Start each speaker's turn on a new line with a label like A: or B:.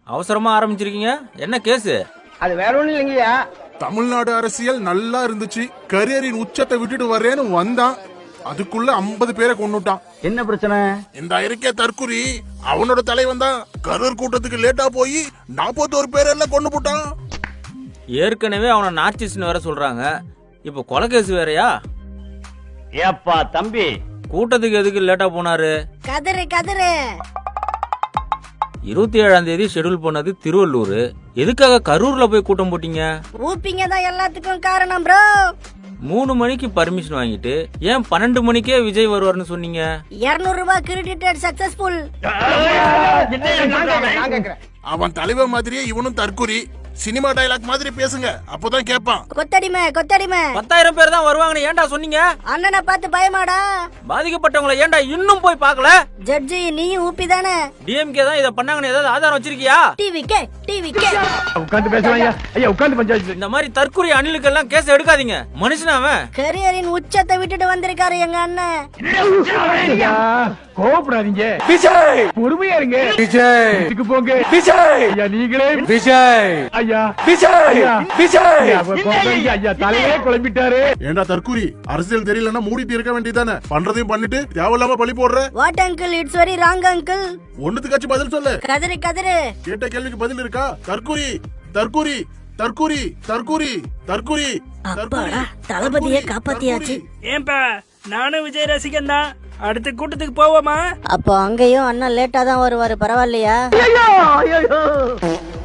A: அவசரமா ஆரம்பிச்சிருக்கீங்க, என்ன கேஸ்?
B: அது வேற ஒண்ணும் இல்லைங்கய்யா.
C: தமிழ்நாடு அரசியல் நல்லா இருந்துச்சு, கரியரின் உச்சத்தை விட்டுட்டு வர்றேன்னு வந்தான், அதுக்குள்ள 50 பேரை கொன்னுட்டான்.
B: என்ன பிரச்சனை?
C: இந்த இருக்கே தற்குறி, அவனோட தலைவன் தான் கரூர் கூட்டத்துக்கு லேட்டா போய் 41 பேரெல்லாம் கொண்டு போட்டான்.
A: ஏற்கனவே அவனை நார்சிஸ்ட்னு வேற சொல்றாங்க, இப்ப கொலை கேஸ் வேறயா?
B: ஏப்பா தம்பி,
A: கூட்டத்துக்கு எதுக்கு லேட்டா போனாரு?
D: கதறு கதறு.
A: 27ஆம் தேதி ஷெட்யூல் பண்ணது திருவள்ளூர், எதுக்காக கரூர்ல போய் கூட்டம் போட்டீங்க?
D: ஊப்பிங்க தான் எல்லாத்துக்கும் காரணம் ப்ரோ.
A: 3 மணிக்கு பர்மிஷன் வாங்கிட்டு ஏன் 12 மணிக்கே விஜய் வருவார்னு சொன்னீங்க?
D: 200 ரூபாய் கிரெடிட்டட் சக்சஸ்ஃபுல்.
B: நான் கேக்குறேன்.
C: அவன் தலைவன் மாதிரியே இவனும் தற்குறி, சினிமா டயலாக் மாதிரி பேசுங்க, அப்பதான் கேட்பான்.
D: கொத்தடிமை கொத்தடிமை.
A: 10,000 பேர் தான் வருவாங்கன்னு ஏன்டா சொன்னீங்க?
D: அண்ணனை பார்த்து பயமாடா?
A: பாதிக்கப்பட்டவங்களை ஏன்டா இன்னும் போய் பார்க்கல?
D: ஜட்ஜி நீயும் ஊப்பி தானே?
A: டிஎம்கே தான் இத பண்ணாங்கன்னு ஏதாவது ஆதாரம் வச்சிருக்கியா?
D: டிவிக்கே டிவிக்கே.
B: உட்கார்ந்து பேசுவாங்க ஐயா, உட்கார்ந்து பஞ்சாயத்து.
A: இந்த மாதிரி தற்குறி அணிலுக்கெல்லாம் கேஸ் எடுக்காதீங்க, மனுஷனா அவன்.
D: கரியரின் உச்சத்தை விட்டுட்டு வந்திருக்காரு எங்க அண்ணன்.
B: கோபப்படாதீங்க விஜய், பொறுமையா இருங்க விஜய். இதுக்கு போங்க விஜய். ஐயா நீங்களே விஜய். ஐயா விஜய் விஜய். ஐயா தலையே குழம்பிட்டாரு.
C: ஏண்டா தற்குறி, அரசியல் தெரியலன்னா மூடிட்டு இருக்க வேண்டியதானே, பண்றதையும் பண்ணிட்டு தேவையில்லாம பழி போடுற.
D: What uncle, it's very wrong uncle.
C: ஒண்ணுத்துக்காச்சும் பதில் சொல்லு.
D: கதறு கதறு.
C: கேட்ட கேள்விக்கு பதில் இருக்கா? தற்குறி தற்குறி தற்குறி தற்குறி தற்குறி.
D: அப்பாடா, தளபதியே காப்பாத்தியாச்சு.
E: ஏன்பா, நானும் விஜய் ரசிகன் தான். அடுத்த கூட்டத்துக்கு போவோமா?
D: அப்போ அங்கேயும் அண்ணன் லேட்டா தான் வருவாரு, பரவாயில்லையா?